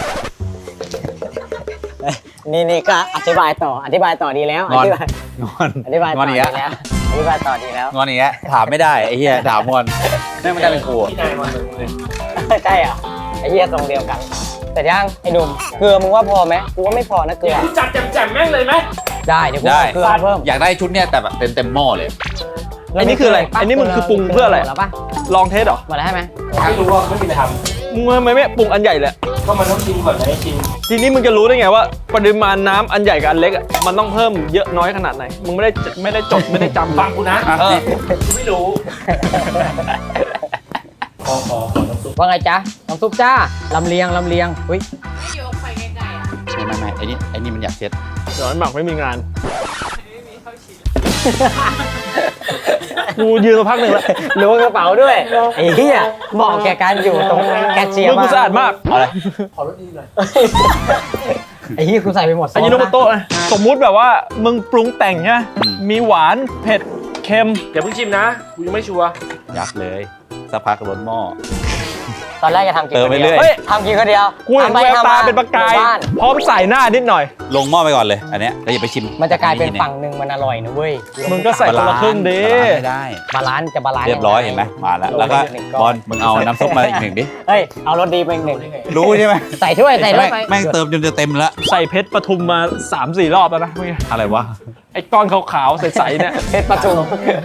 D: นี่นี่ก็อธิบายต่ออธิบายต่อดีแล้ว
C: งอน
D: ธิบาย
C: งอน
D: อธิบาย
C: ง
D: ต่
C: อ
D: อน ดี
C: อีก
D: แล้
C: แล้ว
D: วอธิบายต่อดีแล้ว
C: งอนอีกแล้วถามไม่ได้ไอ้เหี้ยถามงอนนี่ไม่ได้เป็นกูอะ
A: ที่นายมาเลย
D: ใช่เหรอไอ้เหี้ยทรงเดียวกัน แต่ยังไอ้หนุ่มเกลือมึงว่าพอไหมกูว่าไม่พอนะเกลือ
A: จัดแจ่มๆแม่งเลยไหม
D: ได้เดี๋ยวกู
C: ได้
D: เอาเกลือเพิ่ม
C: อยากได้ชุดเนี้ยแต่แบบเต็มเต็มๆหม้อเลย
B: อันนี้คืออะไรอันนี้มันคือปรุงเพื่ออะไร
D: แล้วปะ
B: ลองเทสเหรอ
D: หมดแล้วใช่ไหม
A: ไม่รู้ว่าไม่มีอะไรท
B: มึงทำไมไม่ปรุงอันใหญ่เลย
A: ำก็มันต้องชิมก่อนนะชิม
B: ทีนี้มึงจะรู้ได้ไงว่าปริมาณน้ำอันใหญ่กับอันเล็กอ่ะมันต้องเพิ่มเยอะน้อยขนาดไหนมึงไม่ได้ไม่ได้จดไม่ได้จำ
A: ฟังกูนะ
B: เออ
A: กูไม่รู้ขอขอขอน้ำซุป
D: ว่าไงจ๊ะน้ำซุปจ้าลำเลียงลำเลียงอุ้ย
C: ไม่ไม่ไม่ไอ้นี่ไอ้นี่มันอยากเช็ด
B: เดี๋ยวไอ้หมักไม่มีงานกูยืนมาพักหนึ่งแล้ว
D: ล้วงกระเป๋าด้วยไอ้เหี้ยเหมาะแก่การอยู่ตรงแกเชียร์
B: มือกูสะอาดมาก
C: เอาอะไร
A: ขอรสดีหน่อย
D: ไอ้เหี้ยกูใส่ไปหมด
B: อันนี้โนโตะนะสมมุติแบบว่ามึงปรุงแต่งใช่ไหมมีหวานเผ็ดเค็ม
A: อย่าเพิ่งชิมนะกูยังไม่ชัวร์
C: อยากเลยสักพักล้นหม้อ
D: ตอนแรกจะทำกิน
C: เติม
D: คน
C: ไป
D: เดี
C: เรื่
D: ย
C: อ
D: วย ทำกินคนเดียว
B: กูเห็น
D: ทำไป
B: แวว
D: ทำ
B: ตา
D: มา
B: เป็นประกาย
D: บ้าน
B: พร้อมใส่หน้านิดหน่อย
C: ลงหม้อไปก่อนเลยอันเนี้ยแล้วอย่าไปชิม
D: มันจะกลายเป็นฝั่งหนึ่งมันอร่อยนะเว้ย
B: มึงก็ใส่คนละครึ่งดิ
C: บาลานซ์ไม่ได้
D: บาลานซ์จะบาลานซ์
C: เรียบร้อยเห็นไหมมาแล้วแล้วก็บอลมึงเอาน้ำซุปมาอีกหนึ่งดิ
D: เฮ้ยเอารสดีไปอีกหนึ่ง
C: รู้ใช่ไหม
D: ใส่ถ้วยใส่ถ้วยไป
C: แม่งเติมจนจะเต็มแล้ว
B: ใส่เพชรปทุมมา สามสี่ รอบแล้วนะเมื่อกี้
C: อะไรวะ
B: ไอ้ก้อนขาวๆใสๆเนี่ย
D: เพชรประตู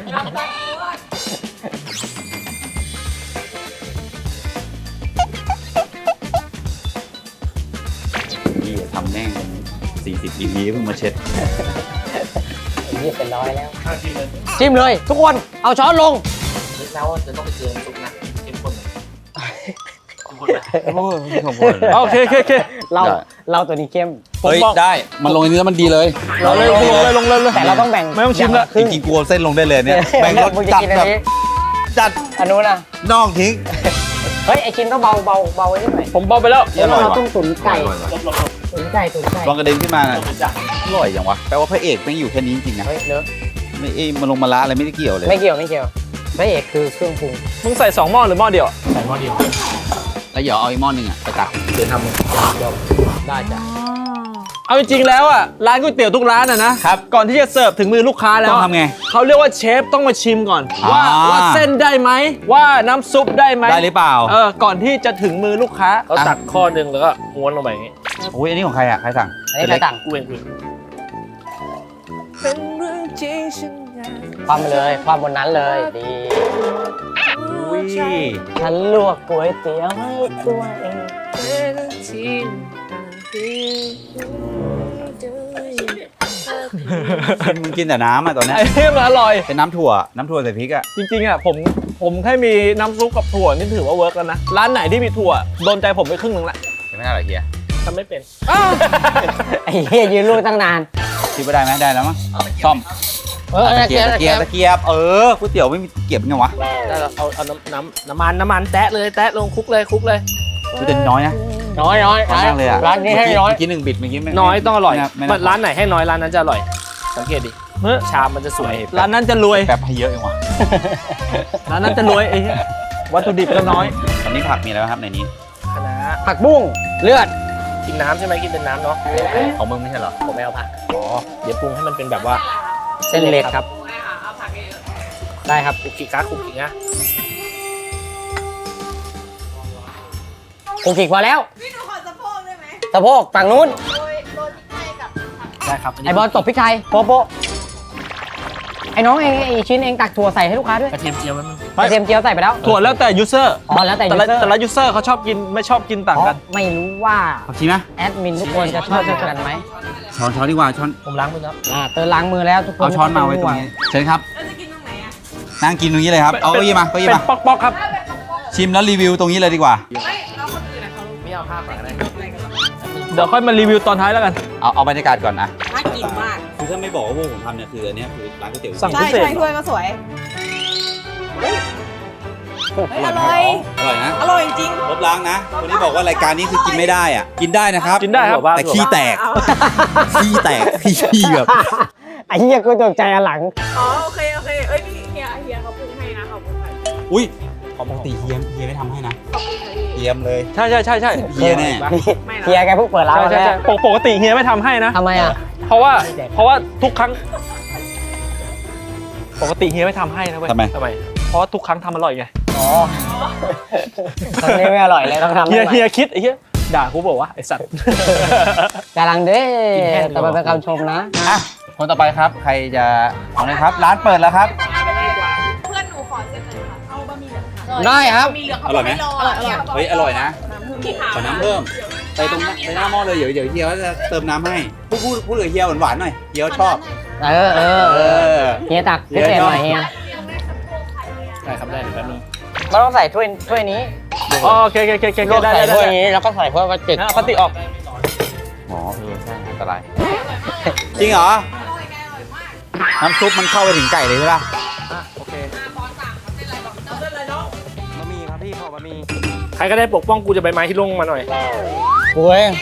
C: นี่ทำแม่งสี่สิบ อี พี เพิ่งมาเช็ด
D: ยี่เป็นร้อยแล้ว
A: ข้างชิมเลย
D: จิ้มเลย ทุกคนเอาช้อนลง
A: นึกแล้วว่าจะต้องไปเจอน้ำซุปนะเข้มข้นหน่อยเข้มข้นไหม
B: โอเคโอเคโอเค
D: เราเราตัวนี้เข้ม
C: เฮ้ยได้มันลงอันนี้แล้วมันดีเลย
B: เราเลยลงเลยลงเลยลงเลย
D: แต่เราต้องแบ่ง
B: ไม่ต้องชิมละ
D: ครึ่ง
C: จริงๆกูเอาเส้นลงได้เลยเนี่ยแบ่งรส
D: มึงจะ
C: จัด
D: กินอั
C: แบ
D: น
C: บ
D: นี้
C: จัด
D: อันนู้นนะ
C: น่องทิ้ง
D: เฮ้ยไอชิ้นต้องเบาเบาเบาไว้นิดหน่อย
B: ผมเบาไปแล้ว
D: เดี๋ยว
C: อร่อย
D: เรา
C: ว่ะ
D: ต้องตุ๋นไก่ตุ๋นไก่ตุ๋นไก่
C: ลองกระเด็นขึ้นมาน่ะอร่อยจังวะแปลว่าพระเอกแม่งอยู่แค่นี้จริงๆนะ
D: เฮ้ยเลอะ
C: ไม่เอ้ยมาลงมาละอะไรไม่ได้เกี่ยวเลย
D: ไม่เกี่ยวไม่เกี่ยวพระเอกคือเครื่องปรุง
B: มึงใส่สองหม้อหรือหม้อเดียวอะ
A: ใส่หม้อเดียว
C: แล้วเดี๋ยวเอาอีกหม้อหนึงอ่ะไปตัก
A: เดี๋ยวทำ
D: ได้จ้ะ
B: เอาจริงๆแล้วอ่ะร้านก๋วยเตี๋ยวทุกร้านอ่ะนะครับ ก่อนที่จะเสิร์ฟถึงมือลูกค้าแล้ว
C: ต้อง
B: อะ
C: ทำไง
B: เขาเรียกว่าเชฟต้องมาชิมก่อน ว่า
C: อ่า
B: ว่าเส้นได้ไหมว่าน้ำซุปได้ไหม
C: ได้หรือเปล่า
B: เออก่อนที่จะถึงมือลูกค้า
A: เขาตักข้อหนึ่งแล้วก็ม้วนลงไปอย่างงี้
C: โอ้ยอันนี้ของใครอ่ะใครสั่ง
D: อันนี้ใครต่าง
A: กูเองกูเอง
D: ความไปเลยความบนนั้นเลยดี
C: อุ้ย
D: ฉันลวกก๋วยเตี๋ยวให้ตัวเอง
C: มึงกินแต่น้ำอ่ะตอนเนี้ย
B: ไอ้นี่มันอร่อย
C: เป็นน้ำถั่วน้ำถั่วใส่พริกอ่ะ
B: จริงๆอ่ะผมผมแค่มีน้ำซุปกับถั่วนี่ถือว่าเวิร์กแล้วนะ ร้านไหนที่มีถั่วโดนใจผมไปครึ่งหนึงละ
C: ยังไม่ได้หรอเฮีย
A: ทำไม่เป็น
D: ไอ้เหี้ยยืนรูดตั้งนาน
C: คิดว่าได้ไหมได้แล้วมั้งซ่อม
D: เออ
C: ตะเกียบตะเกียบตะเกียบเออก๋วยเตี๋ยวไม่มีตะเกียบไงวะ
A: ได้แล้วเอาเอาน้ำน้ำน้ำมันน้ำมันแตะเลยแตะลงคลุกเลยคลุกเลย
C: กูแต่น้อยนะ
D: น้อยน้อย
C: น้อยมากเลยอ่ะ
D: ร้านนี้ให้น้อย
C: เมื่อกี้หนึ่งบิดเมื่อกี้ไม่
A: น้อยต้องอร่อย
C: ไม่
A: มั
C: น่าน
A: ร้านไหนให้น้อยร้านนั้นจะอร่อย สังเกตดิ
B: เฮ้ย
A: ชามมันจะสวย
B: ร้านนั้นจะรวย
C: แป๊บให้เยอะเองวะ
B: ร้านนั้นจะรวยไอ้เหี้ยวัตถุดิบก็น้อย
C: ตอนนี้ผักมีอะไรบ้างครับในนี้
A: คณะ
D: ผักบุ้งเลือด
A: กินน้ำใช่ไหมกินเป็นน้ำเนาะ
C: ของมึงไม่ใช่เหรอ
A: ผมไม่เอาผักอ๋อเดี๋ยวปรุงให้มันเป็นแบบว่า
D: เส้นเล็กครับ ได้ครับ
A: คุกกี้การ์ดคุกกี้นะ
D: กูกิกพอแล้ว
E: พี่หนูขอสะโพกได้ไหม
D: สะโพกฝั่งนู้น
E: โรยโรยพริกไทยกับผัก
A: ได้ครับน
D: ไอ้
A: นี้
D: บอลตบพริกไทยโป๊ะโป๊ะไอ้น้องเองไอ้ชิ้นเองตักถั่วใส่ให้ลูกค้าด้วย
A: กระเทียมเจียวมัน
D: กระเทียมเจียวใส่ไปแล้ว
B: ถั่วแล้วแต่ยูเซอร์
D: อ๋อแล้วแต่
B: แต่
D: ยู
B: ละ
D: เซอร์
B: แต่ละยูเซอร์เขาชอบกินไม่ชอบกินต่างกัน
D: ไม่รู้ว่า
C: ผักชีไหม
D: แอดมินทุกคนจะชอบกันไหม
C: ช้อนช้อนดีกว่าช้อน
A: ผมล้างมือแล้ว
D: อ่าเติมล้างมือแล้วทุกคน
C: เอาช้อนมาไว้ตรงนี้เชิญครับ
E: เราจะกินตรงไหนอ่ะ
C: นั่งกินตรงนี้เลยครับเอาเก้าอี้มาเก้าอี้
B: เป็น
C: มา
B: ป๊อกๆครับ
C: ชิมแล้วรีวิวตรงนี้เลยดีกว่า
E: ไม่เราคนอื่นอะเขา
A: ไม่เอาผ้าก่อนก็ได้
B: เดี๋ยวค่อยมารีวิวตอนท้ายแล้วกัน
C: เอาเอาบรรยากาศก่อนนะ
E: น่ากินมาก
C: คือถ้าไม่บอกว่าพวกผมทำเนี่ยคืออันเนี้ยคือร้านก๋วยเตี๋ยว
B: สั่ง
E: ใช่ใช่ถ้วยก็สวยเฮ้ยอร่อย
C: อร่อยนะ
E: อร่อยจริง
C: ลบล้างนะคนที่บอกว่ารายการนี้คือกินไม่ได้อ่ะกินได้นะครับ
B: กินได้ครับ
C: แต่ขี้แตก
E: เอา
C: ขี้แตกขี้แบบ
D: ไอ้เหี้ยกูตกใจอันหลัง
E: อ๋อโอเคโอเคเอ้ยพี่เฮียเฮียเขาปรุงให้นะเขาปรุงให้
C: อุ้ยปกติเฮียมเฮียไม่ทำให้นะเฮียมเลย
B: ใช่ใช่ใช่ใช่
C: เฮียแน่
E: ไม่นะ
D: เฮียแกเพิ่งเปิดร้าน
B: ใช่
D: วัน
B: ใช่
D: แร
B: ใช่
D: ก
B: ปกปกติเฮียไม่ทำให้นะ
D: ทำไมอ่ะ
B: เพราะว่าเพราะว่าทุกครั้ง ปกติเฮียไม่ทำให้นะเว้ย
C: ทำไม
A: ทำไม
B: เพราะว่าทุกครั้งทำอร่อยไง
D: อ๋อตอนนี้ไม่อร่อยเลยต้องทำ
B: เฮีย
D: ให้ใหม่
B: เฮียคิดไอ้เฮียด่ากูบอกว่าไอ้สัตว์
D: กำลังเด้
A: กินแห้งดีกว่า
D: แต่มันเป็นคำชมนะ
C: อ่ะคนต่อไปครับ ใครจะเอาเลยครับ ร้านเปิดแล้วครับ
E: เพื่อนหนูขอเส้นหน่อยค่ะเอาบะหมี่เหลืองค่ะ
D: ได้ครับ
E: บะหมี่เหลืองเขา
C: อร่อยไหม
E: บกให้รอ
C: เฮ้ยอร่อยนะ
E: น้ำผึ้ง
C: ขอน้ำเพิ่มไปตรงนั้นไปหน้าหม้อเลยเดี๋ยวเดี๋ยวเฮียเขาจะเติมน้ำให้พูดพูดพูดกับเฮียหวานๆหน่อยเฮียเขาชอบ
D: เออเออ
C: เอ
D: เออ
C: อ
D: เฮียตักพิเศษหน่อยเฮีย
A: ได้ครับได้เดี๋ยวแป๊บนึง
D: ไม่ต้องใส่ถ้วยถ้วยนี้
B: อ๋อโอเคโอเคโอเคโอเค
D: ลวก
B: ได้
D: ใส่
B: ได้
D: ถ้วย
B: ได้
D: นี้แล้วก็ใส่ถ้วยพลาสติก
B: งั้นเอาพลาสติกออก
C: อ๋อเออใช่อันตรายจริงเหรอน้ำซุปมันเข้าไปถึงไก่เลยใช่ป่ะ
B: โอเค
D: บะหมี่ครับพี่ขอบะหมี่
A: ใครก็ได้ปกป้องกูจะใบไม้ที่ลงมาหน่อย
D: โอ้ย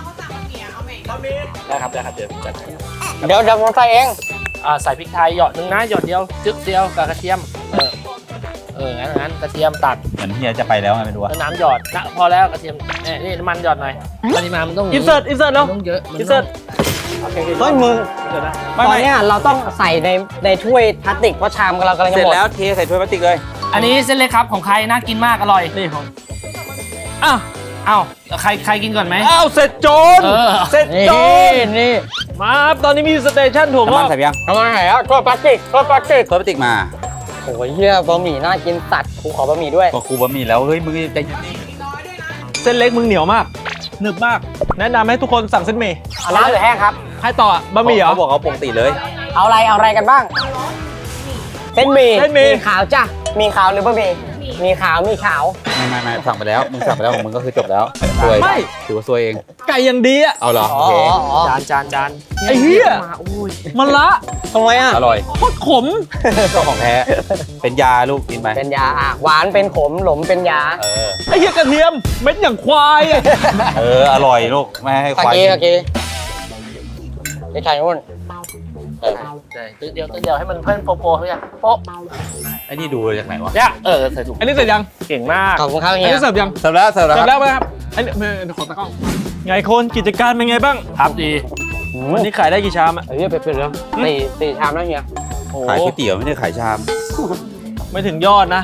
A: ได้ครับได้ครับเดี๋ยวจัดให้
D: เดี๋ยวเดี๋ยวผมใส่เอง
A: อ่าใส่พริกไทยหยอดหนึ่งนะหยอดเดียวจึ๊กเดียวกับกระเทียมเออเอองั้นงั้นกระเทียมตัด
C: เหมือนเฮียจะไปแล้วไงไม่รู้อะ
A: แล้วน้ำหยอดนะพอแล้วกระเทียมเนี่ยนี่น้ำมันหยอดหน่อยปริมาณมันต้อง
B: อินเสิร์ตอินเสิร์ตแล้ว
A: มันต้องเยอะมัน
B: อินเสิร์ต
D: เฮ้ยมึง
B: เดี๋ยวนะ
D: ตอนเนี้ยเราต้องใส่ในในถ้วยพลาสติกเพราะชามเรากำลัง
C: เส
D: จะ
C: ร็จ
D: หมด
C: แล้วเทใส่ถ้วยพลาสติกเลย
A: อันนี้เส้นเล็กครับของใครน่ากินมากอร่อย
B: นี่ของ
A: อ้าวอ้าวใครใครกินก่อนไหม
B: อ้าวเสร็จโจน
A: เออ
B: เสร็จ
D: นี่
B: โจน
D: นี่
B: มาครับตอนนี้มีสเตชันถั่วง
C: น้ำมั
B: อน ก
C: ใส่ไปยัง
D: ทำไมไหนอ่ะถ้วยพลาสติกถ้วยพลาสติก
C: ถ้วยพลาสติกมา
D: โอ้ยเฮียบะหมี่น่ากินสัตว์กูขอบะหมี่ด้วย
C: ก็กูบะหมี่แล้วเฮ้ยมึงใจเย็นดิ
B: เส้นเล็กมึงเหนียวมากหนึบมาก แนะนำให้ทุกคนสั่งเส้นหมี่
D: เอาน้ำหรือแห้งครับ
B: ให้ต่ออะบะหมี่เหรอ
C: เขาบอกเขาปกติเลย
D: เอาอะไรเอาอะไรกันบ้างเส้นหมี่
B: เส้นหมี่
D: ขาวจ้ะมีขาวหรือบะหมี่มีขาวมีขาว
C: ไม่ไม่ไม่สั่งไปแล้วมึงสั่งไปแล้วของมึงก็คือจบแล้วซวย
B: ไม่
C: ถือว่าซวยเอง
B: ไก่อย่างดีอะ
C: เอาเหรอ
D: อ๋
C: โอ
D: อ
C: เค
D: อ๋ออ๋อ
A: จานจานจาน
B: ไอ้เหี้ย
A: มาอุ้ย
B: มันละ
D: ทำไมอ่ะ
C: อร่อย
B: โคตรขม
C: ก็ของแท้เป็นยาลูกกินไป
D: เป็นยาอ่ะหวานเป็นขมหลมเป็นยา
C: เออ
B: ไอ้เหี้ยกระเทียมเม็ดอย่างควายอะ
C: เอออร่อยลูกไม่ให้
D: ตะ
C: ควาย
D: กี้
C: กิน
D: ตะกี้ไอ้ไข่นุ่นเออ
A: ใช่ตึ๊ดเดียวตึ๊ดเดียวให้มันเพิ่มโปโปเขาอย่างโป๊ะ
C: ไอ้นี่ดูจากไหนวะ
A: เนี่ยเออใส่ถุง
B: อันนี้เสร็จยัง
A: เก่งมาก
D: ขอบคุณครับ
B: อัน
D: เฮีย
B: นี้เสิร์ฟยัง
C: เสร็จแล้วเสร็จแล้ว
B: เสร็จ
C: ค
B: แล้
C: รับ
B: วไหมครับอันนี้ไม่ขอตะกล้องไงคนกิจการเป็นไงบ้าง
A: ครับดี
B: วันนี้ขายได้กี่ชามอะ
D: เฮียไปเป็นแล้วสี่สี่ชามแล้วเฮีย
B: โอ้
C: ขายก๋วยเตี๋ยวไม่ได้ขายชาม
B: ไม่ถึงยอดนะ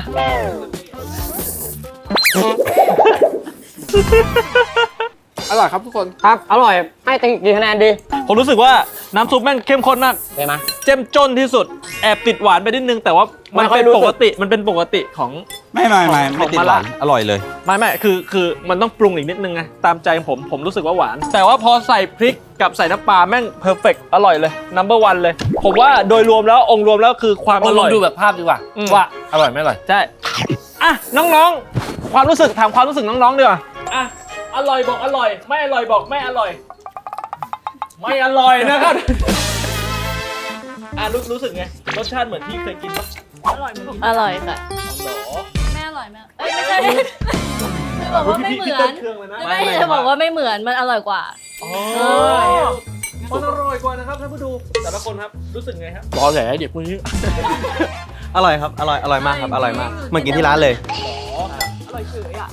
A: อร่อยครับทุกคน
D: ครับอร่อยให้ตีกี่คะแนนดี
B: ผมรู้สึกว่าน้ำซุปแม่งเข้มข้นมาก
D: เห็นไหม
B: เจ้มจนที่สุด แอบติดหวานไปนิดนึง แต่ว่ามัน
D: ไม่ค่อย
B: เป็น
D: รู้สึ
B: ป
D: ก
B: กติ มันเป็นปกติของ
C: ไม่ไม่ไม่
B: ของ
C: ไม่ติด
B: ของ
C: หวาน
B: มะระ
C: อร่อยเลย
B: ไม่ไม่คือคือมันต้องปรุงอีกนิดนึงไง ตามใจผม ผมรู้สึกว่าหวาน แต่ว่าพอใส่พริกกับใส่น้ำปลาแม่งเพอร์เฟกอร่อยเลย นัมเบอร์วันเลย ผมว่าโดยรวมแล้วองค์รวมแล้วคือความอร่อย
A: ดูแบบภาพดีกว่า
B: อืม
A: ว่าอร่อยไม่อร่อย
B: ใช่ อ่ะ น้องๆ ความรู้สึกถามความรู้สึกน้องๆดีกว่าอ่ะ อร่อยบอกอร่อย ไม่อร่อยบอกไม่อร่อย ไม่อร่อยนะครับ อ่ะรู้รู้สึกไง รสชาติเหมือนที่เคยกินปะอร่อยเหมือนที่
F: อร่อยค่ะ
B: หรอ
F: ไม่อร่อยแม่เอ้ยไม่ใช่จะบอกว่าไม่เหมื
B: พี่
F: อ
B: เต้
F: น
B: นเครื่องเลยนะ
F: ไม่จะบอกว่าไม่เหมือนมันอร่อยกว่า
B: อ๋อมันอร่อยกว่านะครับท่านผู้ดู แต่ละคนครับ รู้สึกไงครับ
A: รอแหละเด็กคนนี้
G: อร่อยครับ อร่อย อร่อยมากครับ อร่อยมาก เหมือนกินที่ร้านเลย
B: อร่อยเฉยอ่ะ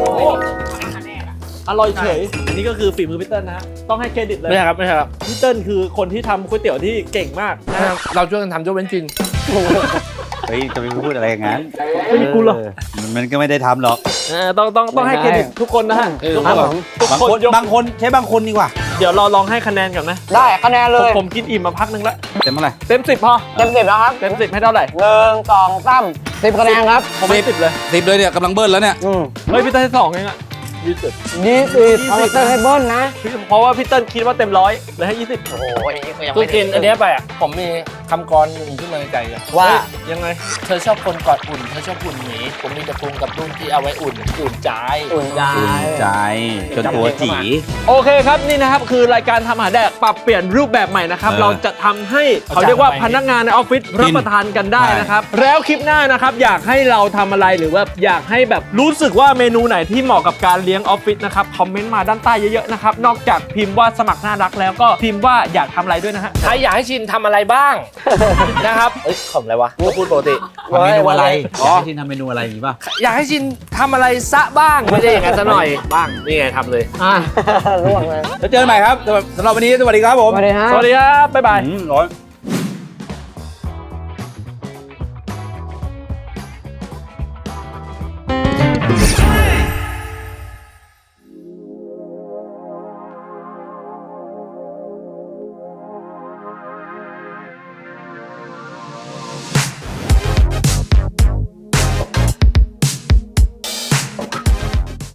B: อร่อยเฉย อันนี้ก็คือฝีมือพี่เติ้ลนะฮะ ต้องให้เครดิตเลย
A: ไม่ใช่ครับไม่ใช่ครับ
B: พี่เติ้ลคือคนที่ทำก๋วยเตี๋ยวที่เก่งมากนะฮะ
A: เราช่วยกันทำยกเว้นกิน
C: เฮ้ยจะไปพูดอะไรอย่างนั้น
B: ไม่มีกูหรอก
C: เออมันก็ไม่ได้ทำหรอก
B: เออต้องต้องต้องให้เครดิตทุกคนนะฮะ
A: เออ
B: ทุก
D: ค
B: ครับ น
D: ผม
B: ทุก
C: บาง
B: คน
C: คน
B: ยก
C: บางคนใช้บางคนดีกว่า
B: เดี๋ยวเราลองให้คะแนนก่อนนะ
D: ได้คะแนนเล
B: ผม
D: ย
B: ผมกินอิ่มมาพักหนึงแล้ว
C: เต็มเท่าไหร่
B: เต็มสิบพอ
D: เต็มสิบแล้วครับ
B: เต็มสิบให้เท่าไหร่
D: หนึ่งสองสามสิบคะแนนครับ
B: ผมให้สิบเลย
C: สิบเลยเนี่ยกำลังเบิ้ลแล้วเนี่ย
D: อืม
B: เฮ้ยพี่เติ้ลให้สองเองอะยี่สิบ
D: ยี่สิบเอาไปเตอร์ให้เบิ้ลนะ
B: เพราะว่าพี่เติ้ลคิดว่าเต็มร้อยเลยให้ยี่สิบ
D: โอ้โหอันนี้ก็ยัง
A: คือ
D: ไม่
A: กินอันเนี้ยไปอ่ะผมมีคำกรหนึ่งขึ้นมาในใจเลย
D: ว่า
B: ยังไง
A: เธอชอบคนกอดอุ่นเธอชอบอุ่นหมีผมมีแต่ปรุงกับรุ่นที่เอาไว้อุ่นอุ่นใจ
D: อุ่นใจ
C: อุ่นใจจนตัวจี
B: โอเคครับนี่นะครับคือรายการทำอาหารแดกปรับเปลี่ยนรูปแบบใหม่นะครับ
C: เออ
B: เราจะทำให้เขาเรียกว่าพนักงานในออฟฟิศรับประทานกันได้นะครับแล้วคลิปหน้านะครับอยากให้เราทำอะไรหรือว่าอยากให้แบบรู้สึกว่าเมนูไหนที่เหมาะกับการเลี้ยงออฟฟิศนะครับคอมเมนต์มาด้านใต้เยอะๆนะครับนอกจากพิมพ์ว่าสมัครน่ารักแล้วก็พิมพ์ว่าอยากทำอะไรด้วยนะฮะ
A: ใครอยากให้ชินทำอะไรบ้าง นะครับเอ้ยขำอะไรวะก็พูดปกติ
C: ทำเมนูอะไร
A: อ๋อ
C: อยากให้ชินทำเมนูอะไรอย่างงี้ป่ะ
A: อยากให้ชินทำอะไรซะบ้างไม่ได้อย่างนั้นซะหน่อยบ้างนี่ไงทำเลย
D: อ่ะร่วงเลย
C: แล้วเจอกันใหม่ครับสำหรับสำหรับวันนี้สวัสดีครับผม
D: สวัสดีฮะ
B: สวัสดีครับบ๊ายบาย
C: อืมร้อน